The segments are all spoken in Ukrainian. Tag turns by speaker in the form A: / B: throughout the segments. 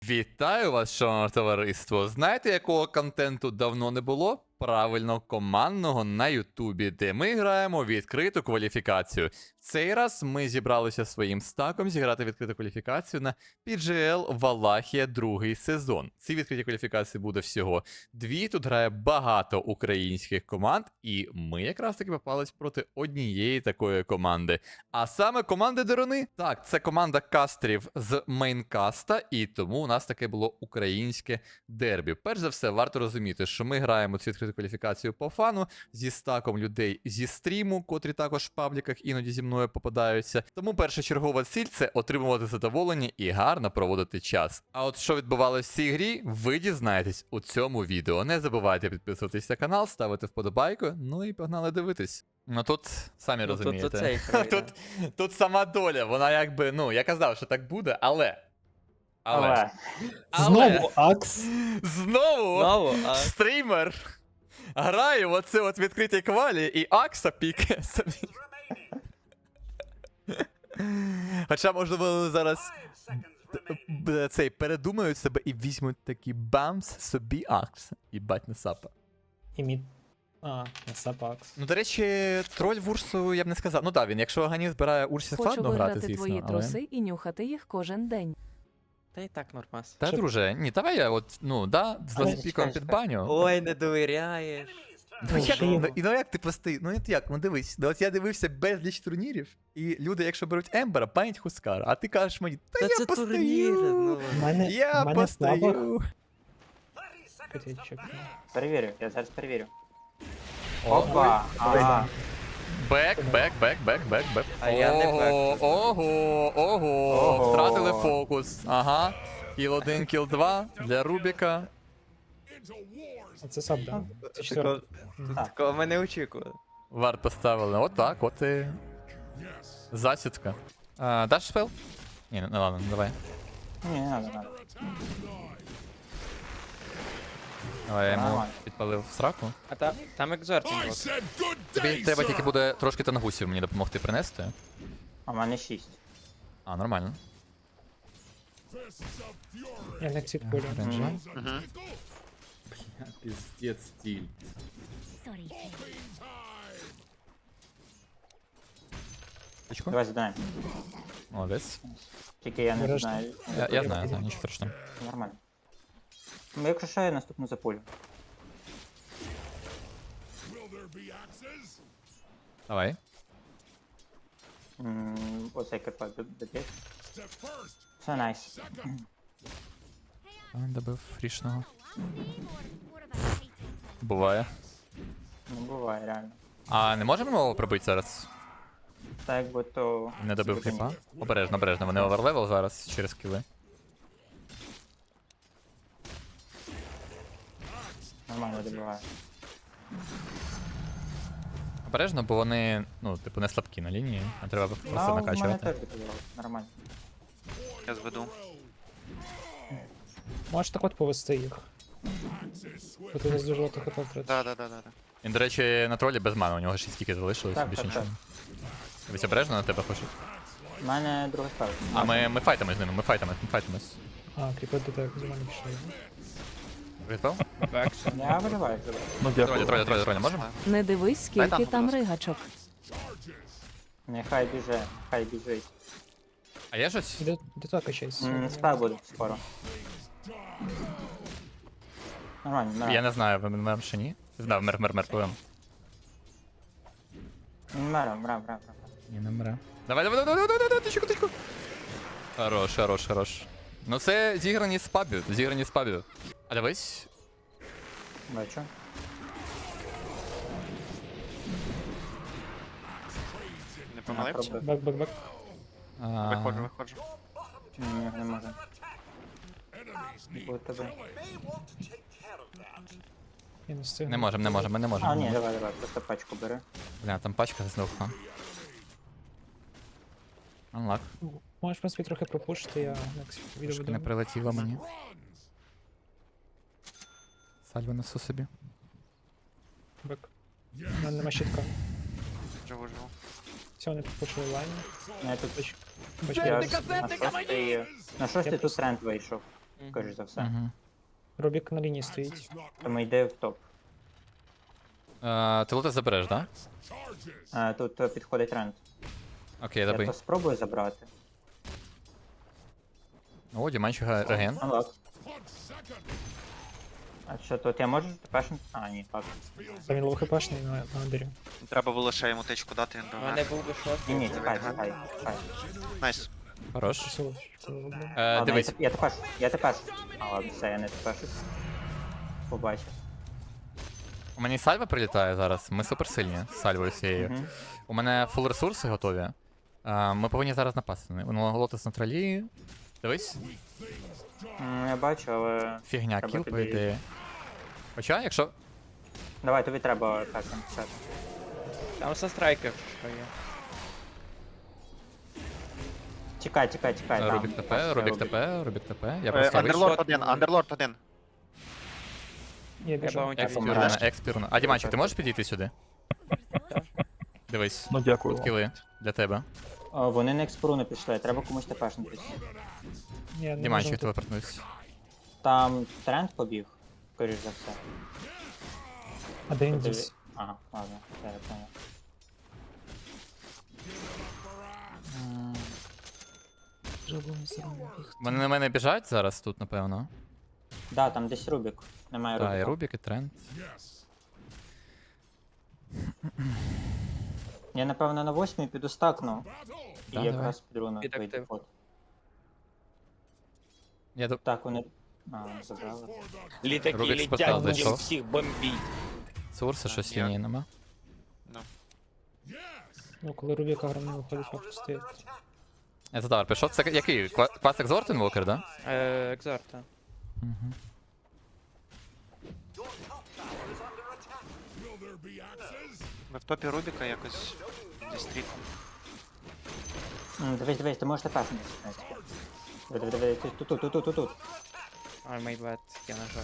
A: Вітаю вас, шановне товариство! Знаєте, якого контенту давно не було? Правильно, командного на Ютубі, де ми граємо відкриту кваліфікацію. Цей раз ми зібралися своїм стаком зіграти відкриту кваліфікацію на PGL Валахія другий сезон. Ці відкриті кваліфікації буде всього дві. Тут грає багато українських команд, і ми якраз таки попались проти однієї такої команди. А саме команди Деруни. Так, це команда кастерів з мейнкаста, і тому у нас таке було українське дербі. Перш за все, варто розуміти, що ми граємо цю відкриту кваліфікацію по фану зі стаком людей зі стріму, котрі також в пабліках іноді зі мною попадаються. Тому першочергова ціль – це отримувати задоволення і гарно проводити час. А от що відбувалося в цій грі, ви дізнаєтесь у цьому відео. Не забувайте підписуватись на канал, ставити вподобайку, ну і погнали дивитись. Ну тут, самі розумієте, тут сама доля, вона якби, ну, я казав, що так буде, але...
B: Знову Акс.
A: Знову стрімер грає в оце от відкритій квалі і Акса пікає собі. Хоча, можливо, зараз цей передумають себе і візьмуть такі бамс собі Акса. Їбать на сапа.
B: І мід. А, Сап Акс.
A: Ну, до речі, троль в Урсу я б не сказав. Ну так, він, якщо Аганів збирає Урсі,
C: Хочу
A: складно грати,
C: виграти
A: звісно.
C: твої
A: але...
C: труси і нюхати їх кожен день.
D: Та й так нормас.
A: Та,
B: Щоб-
A: друже, ні, давай я от, ну, да, з
B: Але-
A: ласпіком під баню.
D: Ой, не довіряєш.
A: Ну як,
B: Шиємо.
A: ну як ти простий? Ну як, ну дивись. Ну, от я дивився безліч турнірів, і люди, якщо беруть Ембера, панять Хускара, а ти кажеш мені, та я
D: це
A: постаю,
D: турніри, ну.
A: я постаю.
E: Перевірю, я зараз перевірю.
A: Ого,
E: Опа! Ага.
A: бек.
D: А я не бек.
A: Ого,
E: Ого.
A: втратили фокус, ага. Кіл 1, кіл 2 для Рубіка.
B: Це Сап, да. Це
D: Такого,
B: четвертий.
D: такого ми не очікували.
A: Варт поставили, отак, от і засідка. Даш спел? Ні, ну ладно, давай.
E: Ні, не надо, не надо.
A: Давай, я йому
E: Нормально.
A: підпалив сраку.
D: А там екзортинг був.
A: Тобі треба тільки буде трошки тангусів мені допомогти принести.
E: А в мене 6.
A: А, нормально.
B: Я не ексід полю.
A: Ренджа.
F: Пиздец стиль.
A: Точку.
E: Давай задаємо.
A: Молодець.
E: Тільки я не
B: Береш.
E: знаю.
A: Я знаю, нічого страшного.
E: Нормально. Ну, якщо що, я наступну запулю.
A: Давай.
E: Оцей КП доб'є. Все найс.
A: Добив рішного. Буває.
E: Ну, буває, реально.
A: А не можемо його пробити зараз?
E: Так якби то...
A: Не добив
E: Зупиніть.
A: кліпа? Обережно, вони оверлевел зараз через кіли.
E: Нормально добиває.
A: Обережно, бо вони, ну, типу, не слабкі на лінії, а треба просто
E: Ну, в мене
A: накачувати.
E: теж добиває. Нормально.
D: Я зведу.
B: Можеш так от повести їх. Бо ти не дуже багато хп втратиш.
D: Да.
A: Він, до речі, на тролі без мани, у нього 6 тільки залишилось,
E: Так,
A: більше
E: так,
A: нічого. Дивись, обережно на тебе хочуть.
E: У мене друга ставка.
A: А ми файтимось з ними, ми файтимось.
B: А, кріпи до тебе з мене пішли.
A: Відпав?
E: Я виливаю забрати.
A: Троля, можемо?
C: Не дивись,
D: Дай
C: скільки
D: там,
C: там
D: будь
C: ригачок.
E: Нехай біже, хай біжить.
A: А є щось?
B: До того качайся.
E: Спа буде скоро. Нормально,
A: Я
E: нормально.
A: не знаю, ви мер чи ні? Знав, мер, пливем.
E: Мрам.
A: Ні, не мре. Давай, тичку. Хорош. Ну це зіграні з пабів, А дивись.
E: Бачу.
D: Не помилився?
B: Бак.
D: Виходжу.
E: Ні, не можу. Буде тебе.
B: Я не встигну.
A: Не можемо, ми не
E: А,
A: можемо.
E: ні, давай, просто пачку бери.
A: Бля, там пачка знов. Unlock.
B: Можеш, в принципі, трохи пропушити, я next відео
A: Трошки
B: буду.
A: не прилетіло мені. Сальву несу собі.
B: Бак. У мене нема щитка.
D: Живу.
B: Все, вони пропушили лайн.
E: Я тут
B: Бачу,
E: я на шостий тут тренд вийшов. скоріш за все.
A: Угу.
B: Рубік на лінії стоїть.
E: Тому йде в топ.
A: Ти лоти забереш, да?
E: Тут підходить тренд.
A: Окей,
E: Я
A: добий.
E: то спробую забрати.
A: О, Діманчик реген.
E: Анлак. А що тут я можу тепер? А, ні, так.
B: Та він лоу-хпшний на Андері.
D: Треба було ще йому тичку дати, він
F: У
D: би
F: мене
D: вмер.
F: був би шот.
E: Ні, ні, тікай.
D: Найс.
A: Хорош.
E: Ладно,
A: Дивись.
E: я тепер. А, ладно, все, я не тепер. Побачив.
A: У мене сальва прилітає зараз. Ми суперсильні з сальвою всією.
E: Мгм.
A: У мене фул ресурси готові. Ми повинні зараз напасти. Воно лотос на тролі. Дивись.
E: Я бачу, але...
A: Фігня,
E: Треба
A: кіл, по
E: тоді-
A: ідеї. Хоча, якщо.
E: Давай, тобі треба пекати.
F: Там все страйкер, що є.
E: Чекай, там.
A: Рубік ТП,
E: Ось,
A: Рубік
E: Рубік.
A: ТП, Рубік ТП. Я просто вийшов.
D: Андерлорд один, Андерлорд один.
B: Я
F: Я
B: біжу.
F: баунті
A: Експірна,
F: візьму.
A: експірна. А, Діманчик, ти можеш підійти сюди? Дивись.
G: Ну дякую.
A: Тут
G: вам.
A: кіли для тебе.
E: Вони на експору не пішли, треба комусь тепешнутись.
B: Ні, не
A: Діманчик
B: можу.
A: телепортнувся.
E: Там тренд побіг, скоріш за все.
B: А де він дівся?
E: Ага, ладно, все, я понял.
A: Вони на мене біжать зараз тут, напевно.
E: Да, там десь Рубік. Немає
A: Так, і
E: Рубіка.
A: Рубік, і тренд.
E: Я напевно на 8 піду стакну. І
A: Да,
E: якраз під руну
F: Під
E: вийде
F: актив.
E: ход.
A: Я до...
E: Так, вони. Забрали.
F: Літаки
A: Рубік
F: літять,
A: спитав,
F: будемо
A: зайшов.
F: всіх бомбіть.
A: Сурса щось
D: я-
A: лінії нема.
B: Ну, коли Рубіка гра не виходить, варто стояти.
A: Я задав, пішов. Це який? Клас Екзорт Інвокер, да?
F: Екзорта.
A: Угу.
D: Ми в топі Рубіка якось дістріт.
E: Дивись, ти можеш тепешнутись. Диви, тут.
F: Ой, май бет, я нажав.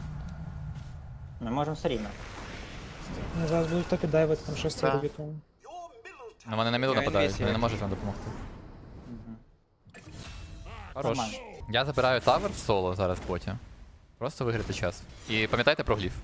E: Ми можемо все рівно.
B: Ну, зараз будуть топі дайвити, там щось
E: Да.
B: це Рубіком.
A: Ну вони на міду
F: Я
A: нападають,
F: інвізію.
A: вони не можуть вам допомогти.
E: Мгм.
A: Хорош.
E: Нормально.
A: Я забираю тавер в соло зараз потім. Просто виграти час. І пам'ятайте про гліф.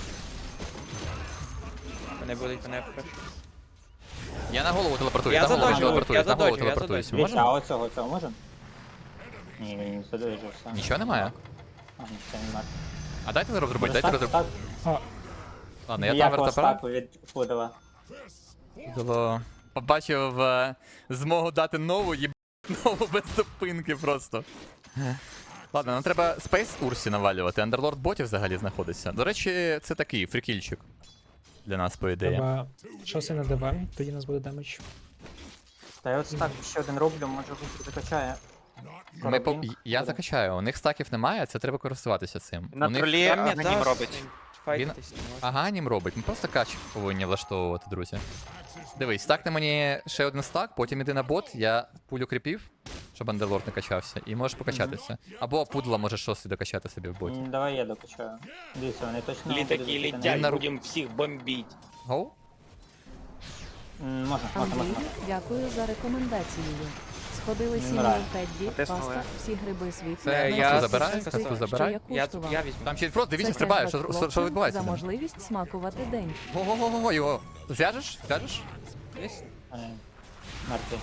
F: Вони будуть мене перші.
A: Я на голову телепортую,
F: Я
A: на голову
F: задоджу,
A: телепортую,
F: я
A: на голову
F: задоджу, я
A: телепортуюсь.
F: задоджу.
E: Дивіться,
A: Можемо?
E: а оцього можемо? Ні, він не задовижився.
A: Нічого немає?
E: А, нічого немає.
A: А дайте розробити, дайте розробити.
E: Так,
A: Ладно, я тавер
E: ніякого
A: забираю.
E: стаку від Пудова.
A: Було... Побачив змогу дати нову, нову без зупинки просто. Ладно, нам треба Space Урсі навалювати, Underlord ботів взагалі знаходиться. До речі, це такий фрікільчик для нас, по ідеї.
B: Треба щось на ДВ, тоді у нас буде демедж.
E: Та я от стак ще один роблю, може він закачає.
A: Я закачаю, у них стаків немає, це треба користуватися цим.
D: На
A: У них
D: тролі
F: Там
D: Аганім
F: м'ята,
D: робить.
F: файтитись не можна.
A: Аганім робить, ми просто кач повинні влаштовувати, друзі. Дивись, стакни мені ще один стак, потім іди на бот, я пулю кріпів, щоб Underlord не качався, і можеш покачатися. Або пудла може шостий докачати собі в боті.
E: Давай я докачаю. Дивіться, вони точно.
F: Літаки
E: будуть закидані.
F: літять,
A: на ру-
F: будемо всіх бомбіть.
A: Гоу?
E: Можна.
C: Андрій, дякую за рекомендацією. Сходили сім'ї
E: Вмираю.
C: Тедді,
D: Потиснули.
C: паста, всі гриби світлі.
A: Це
F: я
A: касту забираю,
F: це
A: касту
F: що
A: забираю.
F: Я візьму.
A: Там ще просто дивіться,
C: Це
A: стрибає,
C: кешбек
A: що
C: хлопцям
A: відбувається.
C: за
A: там?
C: можливість смакувати день.
A: Го-го-го-го, його. Зв'яжеш? Зв'яжеш?
E: Мертвий.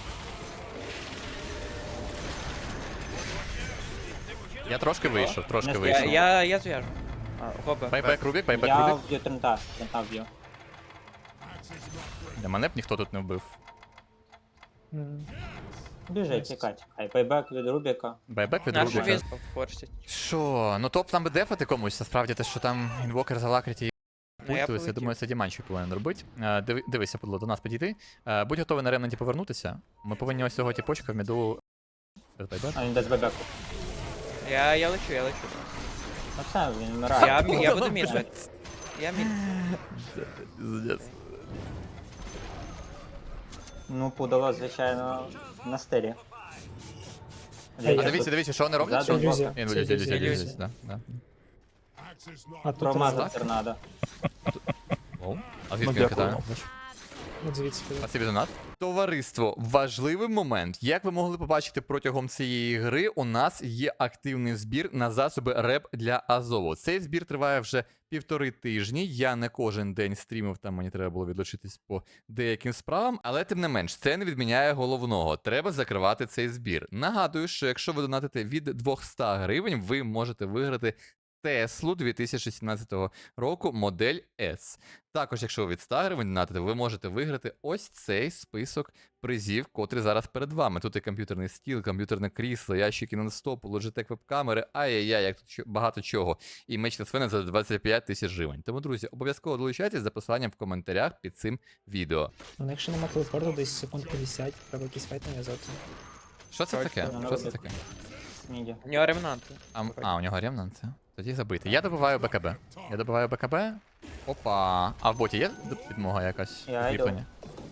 A: Я трошки вийшов, трошки
E: Я-
A: вийшов.
F: Я зв'яжу. Гоба.
A: Байбек Рубік, байбек
E: Я
A: Рубік.
E: вб'ю трента вб'ю.
A: Для мене б ніхто тут не вбив.
E: Біжи, тікай. Байбек від Рубіка.
A: Байбек від
F: Нашу
A: Рубіка.
F: візьму форсять.
A: Що? Ну топ нам би дефати комусь, насправді те, що там інвокер за лакриті
F: Ну, я
A: пультується, я
F: полетів.
A: думаю, це Діманчик повинен робити. Дивися, подло, до нас підійти. Будь готовий на ревненті повернутися. Ми повинні ось цього тіпочка в міду. Без байбек.
E: А він без бебеку.
F: Я лечу.
E: Ну все, він вмирає.
F: Я буду мід. Я мід.
E: Ну, Пудова, звичайно, на стилі.
A: А дивіться, що вони роблять?
E: Ззаду
A: Що?
B: ілюзія.
A: Ілюзія,
B: Це
A: ілюзія,
F: ілюзія.
A: ілюзія, да.
B: А тут
E: Промазав торнадо.
A: Оу. А
G: Ну,
A: звідки він
G: дякую
A: кидає?
G: вам.
B: от звідси.
A: Спасибі за донат. Товариство, важливий момент. Як ви могли побачити протягом цієї гри, у нас є активний збір на засоби РЕП для Азову. Цей збір триває вже 1,5 тижні. Я не кожен день стрімив, там мені треба було відлучитись по деяким справам, але тим не менш, це не відміняє головного. Треба закривати цей збір. Нагадую, що якщо ви донатите від 200 гривень, ви можете виграти Теслу 2017 року модель S. Також, якщо ви від 100 гривень донатите, ви можете виграти ось цей список призів, котрий зараз перед вами. Тут і комп'ютерний стіл, комп'ютерне крісло, ящики нон-стопу, Logitech веб-камери, ай-яй-яй, як тут багато чого. І меч на свини за 25 тисяч гривень. Тому, друзі, обов'язково долучайтесь за посиланням в коментарях під цим відео.
B: Ну, якщо нема телепорту, десь секунд 50, треба якийсь файт нав'язати.
A: Що це таке?
E: Точно,
A: Що це таке?
E: Міді.
F: У нього ремнанти.
A: У нього ремнант? Тоді забити. Я добиваю БКБ. Я добиваю БКБ. Опа. А в боті є підмога якась?
E: Я йду.
A: Укріплення?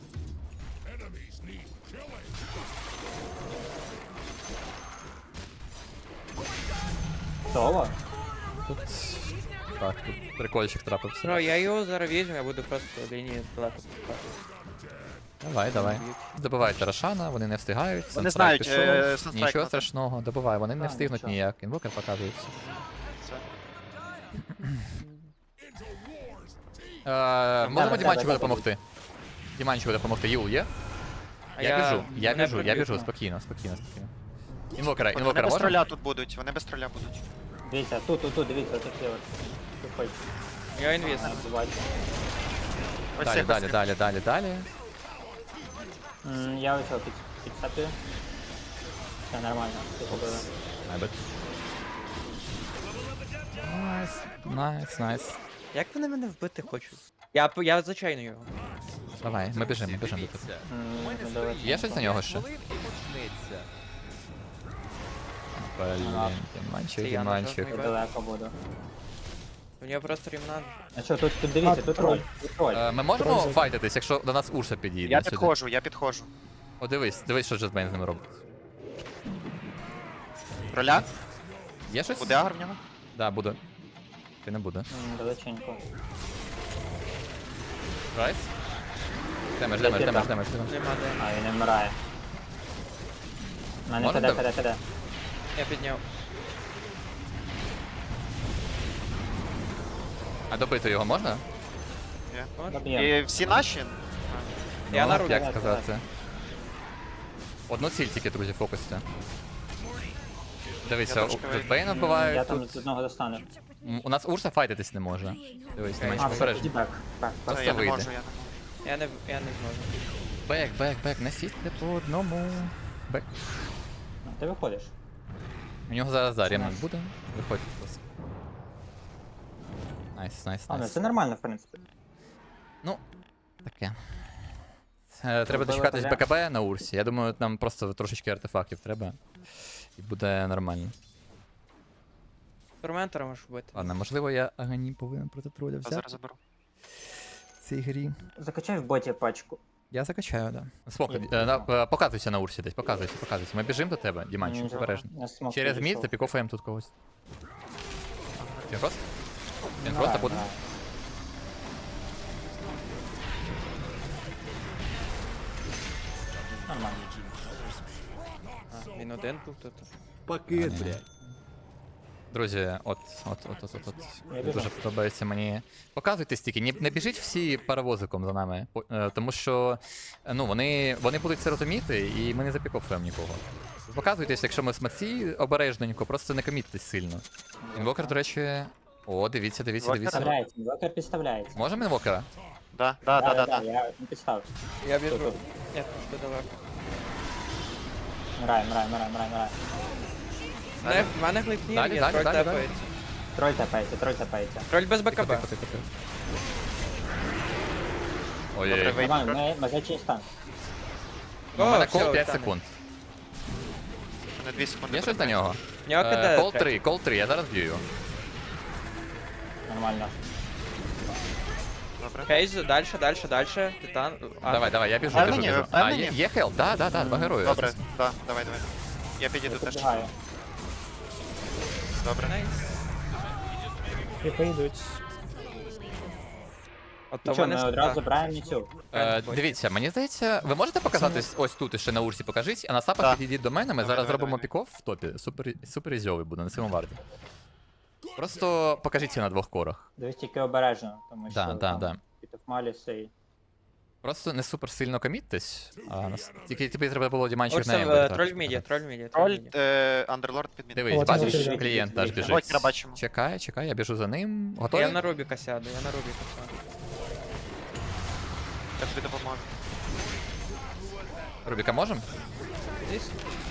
E: Соло?
A: Тут... Так, тут прикольчик трапився.
F: Бро, я його зараз візьму, я буду просто лінії далеко пускати.
A: Давай. Добивайте Рошана, вони не встигають.
D: Вони
A: Санстрайк
D: знають,
A: пішов.
D: Санстрайк
A: Нічого
D: надо.
A: страшного, добивай, вони не
E: Так,
A: встигнуть
E: нічого.
A: ніяк. Інвокер показується.
D: Все.
A: Можемо
E: так,
A: Діманчику
E: так,
A: допомогти? Діманчику допомогти. Юл є?
F: А
A: Я
F: мене
A: біжу,
F: проб'ють.
A: спокійно. Інвокера
D: Вони без
A: можна?
D: троля тут будуть, вони без троля будуть.
E: Дивіться, тут, дивіться, тут є от. Тут хоч.
F: Я інвіз.
E: Бачу.
D: Ось
A: Далі,
D: цих
A: далі,
D: ось
A: далі, далі, далі.
E: Я ось його підстаплю. Все нормально, все побили.
A: Найбет. Найс.
F: Як вони мене вбити хочуть? Я зачайну його.
A: Давай, ми біжимо до тебе. Є щось на нього ще? Блін,
F: Це я
A: Діманчик.
F: нажав.
E: Я далеко буду.
F: У нього просто ремнант.
E: А що, тут дивіться, тут троль. Тут троль.
A: Ми можемо
B: Троль.
A: файтитись, якщо до нас Урса підійде?
D: Я
A: сюди?
D: підходжу.
A: О, дивись, що Джетбейн з ними робить.
D: Троля?
A: Є щось?
D: Буде агр в нього?
A: Да, буде. Чи не буде?
E: Далеченько.
A: Райс? Демедж.
F: Нема де.
E: А, він не вмирає. У мене
A: Можна
E: КД.
F: Я підняв.
A: А добити його можна?
D: Є.
E: Доб'ємо.
D: І всі наші?
F: Я на
A: Ну,
F: руку.
A: як сказати. Одну ціль тільки, друзі, фокусите. Дивися,
D: Я трошки
A: Джетбейна
E: Я
A: вбивають
E: там
A: тут.
E: з одного достану.
A: У нас Урса файтитись не може. Дивись, не менше
E: А, все,
A: попередження.
E: тоді бек.
A: Просто
D: Це я не
A: вийде.
D: можу, я не можу.
F: Я не зможу.
A: Бек, не сісьте по одному. Бек.
E: Ти виходиш.
A: У нього зараз
E: Це
A: ремонт
E: найс.
A: буде. Виходьте просто. Найс.
E: А, ну це нормально, в принципі.
A: Ну, таке. Треба
E: Робили
A: дочекатись
E: поля.
A: БКБ на Урсі. Я думаю, нам просто трошечки артефактів треба. І буде нормально.
F: Торментора можеш вбити.
A: Ладно, можливо, я Агані повинен проти троля
D: Я
A: взяти
D: зараз заберу.
A: в цій грі.
E: Закачай в боті пачку.
A: Я закачаю, да. Смок, показуйся на Урсі десь, показуйся. Ми біжимо до тебе, Діманчик,
E: Нічого.
A: обережно.
E: Я смок
A: Через
E: підійшов.
A: мід запікофаємо тут когось. Він просто? Він
E: Давай,
A: просто буде?
E: давай. Нормально.
F: А, він один був тут.
A: Друзі, от.
E: Я біжу.
A: Дуже подобається мені. Показуйте стільки, не біжіть всі паровозиком за нами, тому що ну, вони будуть це розуміти, і ми не запікофуємо нікого. Показуйтесь, якщо ми смаці обережненько, просто не коміттесь сильно. Інвокер, до речі. О, дивіться.
E: Підставляється, інвокер підставляється.
A: Можемо інвокера?
D: Да.
E: Я не підстав.
F: Я біжу.
E: Тут.
F: Ні, тут далеко.
E: Мирай.
F: В мене глипнір
A: Далі,
F: є,
A: далі,
F: троль
A: далі,
F: тепається.
E: Троль тапається.
F: Троль без БКБ.
A: Тихо.
D: Добре,
A: Ой-ой-ой.
D: вийди.
E: Нормально, ми зачий стан.
A: У мене
F: все,
A: кол 5
F: там.
A: секунд.
D: На 2 секунди.
A: Є щось на нього?
F: В нього КД.
A: Кол 3, я зараз б'ю його.
E: Нормально.
D: Добре.
F: Кейз, дальше. Титан.
A: Давай, я біжу.
D: Впевнені?
A: А,
D: Впевнені?
A: є хелп? Да, два герої.
D: Добре, да, давай. Я підійду
E: Я
D: теж.
E: підбігаю.
D: Добре.
F: Найс.
B: І поїдуть.
F: От то
E: Нічого,
F: вони
E: ми одразу забираємо цю.
A: Дивіться, мені здається, ви можете показатись ось тут і ще на урсі покажіть, а на сапах
D: Так.
A: підійдіть до мене, ми
D: Давай,
A: зараз
D: давай,
A: зробимо
D: давай.
A: піков в топі. Супер ізьовий буде на цьому варді. Просто покажіть на двох корах.
E: Дивись тільки обережно, тому що
A: Да.
E: там Маліси і...
A: Просто не супер сильно коміттесь, а тільки тобі треба було діманчик
F: Ось
A: на
F: там
A: Ембер.
F: троль в міді, троль в міді,
D: Троль,
F: троль в міді.
D: Андерлорд підмін.
A: Дивись,
B: От,
A: бачиш,
B: дивіться,
A: клієнт наш
E: дивіться.
A: біжить.
D: Блокера бачимо.
A: Чекай, я біжу за ним. Готові?
F: Я на Рубіка сяду, я на Рубіка сяду.
D: Я тобі допоможу.
A: Рубіка можем?
F: Здесь?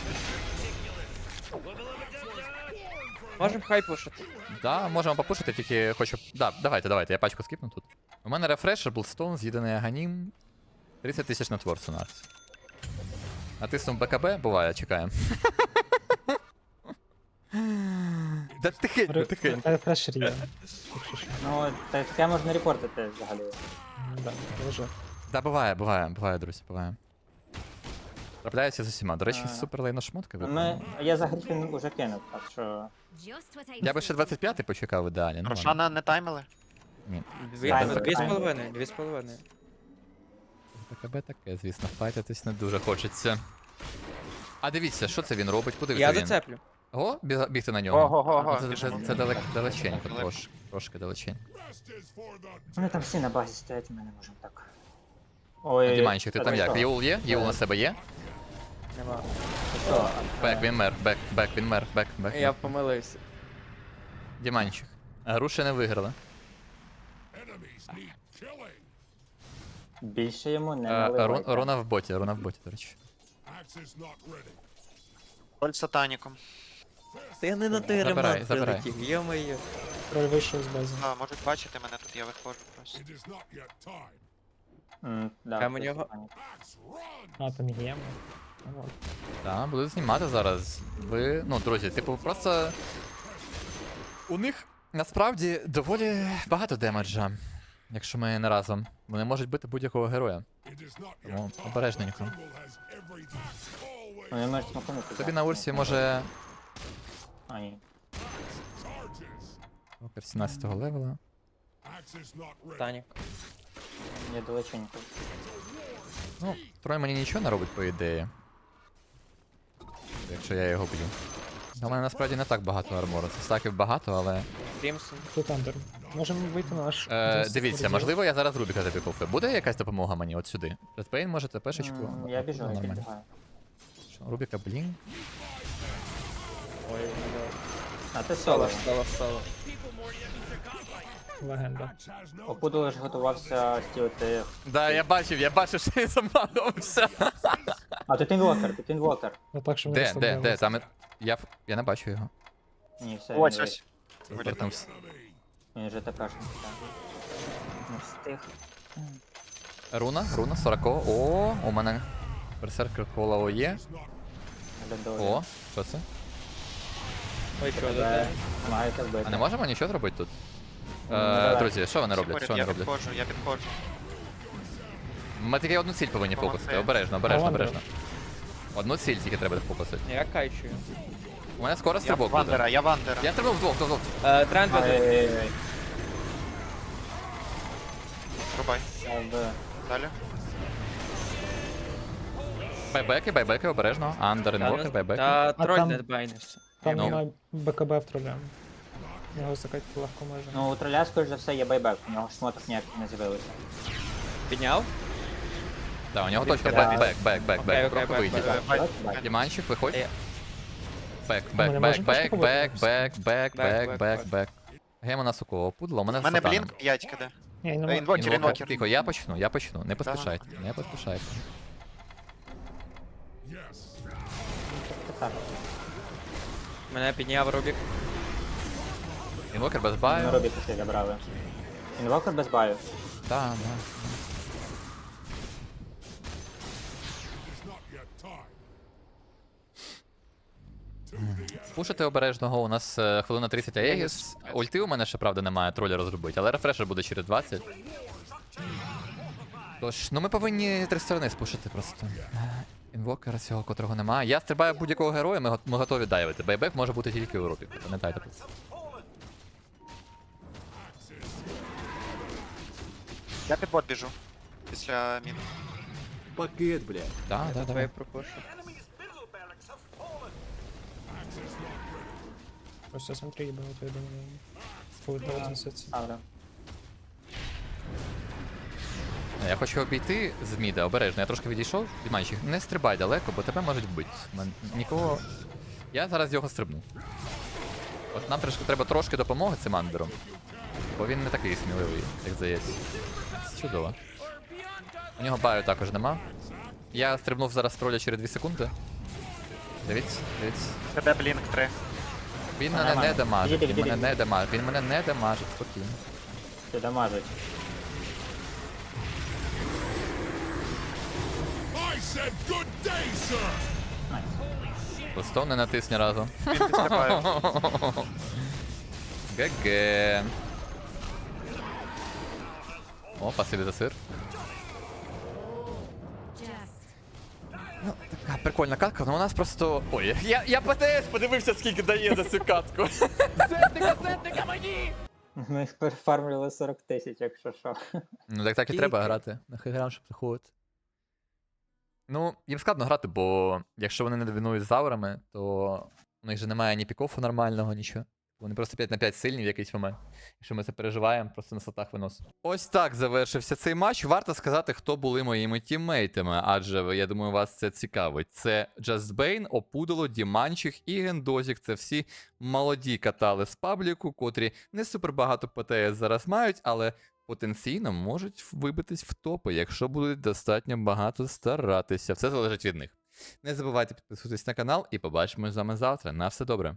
F: Можем хай пушити.
A: Да, можемо попушити, тільки хочу. Да, давайте, я пачку скіпну тут. У мене рефрешер, Блстоун, з'їдений аганім. 30 тисяч на творцу на. Натиснув БКБ, буває, чекаємо. Да тихенько.
B: Рефрешер є. Якщо що.
E: Ну, таке можна репортити взагалі.
B: Да, лежу.
A: Да, буває, друзі, буває. Трапляється з усіма. До речі, супер лейна шмотка випала.
E: Я за Грифін уже кинув, так що...
A: Я би ще 25-й почекав ідеалі. Ну, ладно.
D: Рошана не таймили?
F: Дві з половиною, дві з половиною.
A: БКБ таке, звісно, файтитись не дуже хочеться. А дивіться, що це він робить? Куди
F: Я
A: це він?
F: зацеплю.
A: О, бігти на нього.
D: Ого-го-го.
A: Це далеченько, трошки далеченько.
E: Вони там всі на базі стоять, ми не можемо так. Ой,
A: Діманчик, ти там як?
E: що?
A: Єул є? Єул на себе є?
F: Нема.
E: Що?
A: Бек, він мер, він мер, бек.
F: Я помилився.
A: Діманчик. Груші не виграли.
E: Більше йому не наливайте.
A: Руна в боті, до речі.
D: Троль з сатаніком.
F: Та я не на той
A: Забирай,
F: ремонт
A: забирай.
F: прилетів, йо-моє.
B: Троль вийшов з бази.
D: А, можуть бачити мене тут, я виходжу просто.
E: Да,
F: Там у
E: це
F: нього-
E: пані.
B: А, там є. Ну, от.
A: Так, буду знімати зараз. Ви, ну, друзі, типу, просто. У них насправді доволі багато демеджа, якщо ми не разом. Вони можуть бити будь-якого героя. Тому обережненько.
E: Вони можуть смакнути.
A: Тобі на урсі може.
E: А, ні.
A: Покер 17-го левела.
F: Танік.
E: Я далеченько.
A: Ну, Трой мені нічого не робить, по ідеї. Якщо я його б'ю. У мене насправді не так багато армору. Це стаків багато, але.
F: Крімсон.
B: Тут андер. Можемо вийти на наш.
A: Дивіться, можливо, я зараз Рубіка запікав. Буде якась допомога мені от сюди? Редпейн можете пешечку?
E: Я біжу, я
A: Нормально.
E: підбігаю.
A: Що, Рубіка, блін.
F: Ой,
E: А ти
F: соло,
E: соло.
F: соло, соло.
B: Легенда.
E: Опуду лише готувався стілити.
A: Да, я бачив, що він заманувався.
E: А, тут інвокер.
B: Ну так, що ми
A: Де?
B: розслаблялися.
A: Там я не бачу його.
E: Ні, все,
D: Ось
E: він
D: ось.
A: Повернувся.
E: Він вже тепешний. Не встиг.
A: Руна 40. О, у мене берсеркер коло є.
E: Глядові.
A: О, що це?
F: Ой, чого
E: Тебе
F: тут?
E: маєте вбити.
A: А не можемо нічого зробити тут?
E: давай.
A: Друзі, що вони роблять? Що
D: Я
A: вони роблять?
D: підходжу.
A: Ми тільки одну ціль повинні
D: Молодці.
A: фокусити. Обережно. Одну ціль тільки треба фокусити.
F: Я кайчую.
A: У мене скоро
D: Я
A: стрибок буде.
D: вандера, я вандера.
A: Я стрибнув вдвох.
F: Тренд веде.
E: Ай-яй-яй.
D: Рубай.
E: Якби.
D: Далі.
A: Байбеки, обережно. Андер, інвокер, байбеки.
F: Та
B: А
F: троль
B: там-
F: не байнився.
B: Там
A: Ну.
B: немає БКБ в троля. Його закатити легко може.
E: Ну, у троля, скоріш за все, є байбек. У нього шмоток ніяких не з'явилося.
F: Підняв?
A: Так, у нього точно
E: Да.
A: бек.
F: Окей,
A: Трохи
F: бек,
A: вийдіть.
F: бек.
E: Бак, бак.
A: Діманчик, виходь.
F: Е.
A: Бек.
B: ми не можемо пачку побити?
A: Бек. Гем у нас у кого? Пудло, у мене
D: У мене
A: сатана.
D: блінк, 5 киде.
B: Ні, немає.
D: Інвокер.
A: Тихо, я почну. Не поспішайте.
E: Так.
F: Мене підняв Рубік.
A: Інвокер без
E: Ми
A: баю.
E: робі після забрали. Інвокер без баю.
A: Да. Пушити обережного, у нас хвилина 30 Аегіс. Ульти у мене ще, правда, немає, троля розробити, але рефрешер буде через 20. Тож, ну ми повинні три сторони спушити просто. Інвокера цього, котрого немає. Я стрибаю будь-якого героя, ми готові дайвити. Байбек може бути тільки у Рубіку, пам'ятайте про це.
D: Я під бот біжу. Після мін.
A: Пакет, блядь. Да, да,
F: Давай
A: давай.
F: пропушу.
B: Просто смотри, ебало, я думаю. Будет на разноситься.
E: Ставлю.
A: Я хочу обійти з міда, обережно. Я трошки відійшов від манчі. Не стрибай далеко, бо тебе можуть вбити. Нікого. Я зараз його стрибну. От нам треба трошки допомоги цим андером. Бо він не такий сміливий, як здається. Чудово. У нього баю також нема. Я стрибнув зараз троля через 2 секунди. Дивіться, дивіться.
D: КД Блінк 3.
A: Він мене не дамажить,
E: Іди,
A: він
E: іди,
A: мене
E: іди.
A: не дамажить, він мене не дамажить, спокійно.
E: Ти дамажить. Найс.
A: Просто не натис ні разу.
D: Він після баю.
A: ГГ. О, спасибі за сир. Ну, така прикольна катка, але у нас просто. Ой, я ПТС подивився, скільки дає за цю катку. Зетника мені!
E: Ми перефармлювали 40 тисяч, якщо що.
A: Ну так і треба грати. Нахай грам, щоб заходити. Ну, їм складно грати, бо якщо вони не домінують з аурами, то у них же немає ні пікофу нормального, нічого. Вони просто 5 на 5 сильні в якийсь момент. Якщо ми це переживаємо, просто на сатах виносимо. Ось так завершився цей матч. Варто сказати, хто були моїми тіммейтами, адже я думаю, вас це цікавить. Це Джастбейн, Опудало, Діманчик і Гендозік. Це всі молоді катали з пабліку, котрі не супер багато ПТС зараз мають, але потенційно можуть вибитись в топи, якщо будуть достатньо багато старатися. Все залежить від них. Не забувайте підписуватись на канал і побачимось з вами завтра. На все добре.